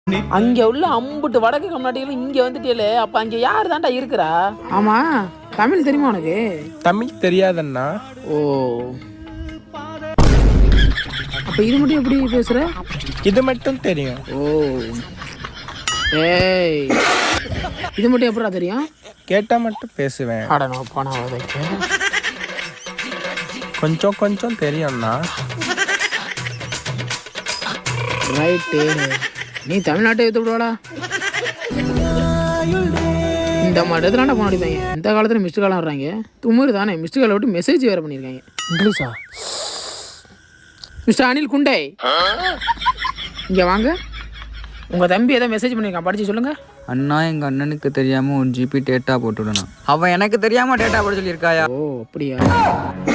அங்க உள்ள அம்புட்டு வடக்கு கம்நாட்டிகள் இங்க வந்துட்டே. அப்ப அங்க யாரு தான்டா இருக்கிறா? ஆமா, தமிழ் தெரியுமா உனக்கு? தமிழ் தெரியாதண்ணா. ஓ, அப்ப இது மட்டும் எப்படி பேசுற? இது மட்டும் தெரியும். ஓ, ஏய், இது மட்டும் எப்படா தெரியும்? கேட்டா மட்டும் பேசுவேன். கொஞ்சம் கொஞ்சம் தெரியும்ண்ணா. ரைட்டு, நீ தமிழ்நாட்டை எடுத்து விடுவாடா. இந்த மாதிரி இடத்துல போன அடிப்பாங்க. இந்த காலத்தில் மிஸ்டு காலம் வர்றாங்க. துமுறு தானே மிஸ்டு காலை விட்டு மெசேஜ் வேறு பண்ணியிருக்காங்க. இங்கிலீஷா? மிஸ்டர் அனில் குண்டே, இங்கே வாங்க. உங்கள் தம்பி ஏதோ மெசேஜ் பண்ணியிருக்கான், படித்து சொல்லுங்கள். அண்ணா, எங்கள் அண்ணனுக்கு தெரியாமல் 1 GB டேட்டா போட்டுவிடணும். அவன் எனக்கு தெரியாமல் டேட்டா போட சொல்லியிருக்காயா? ஓ அப்படியா?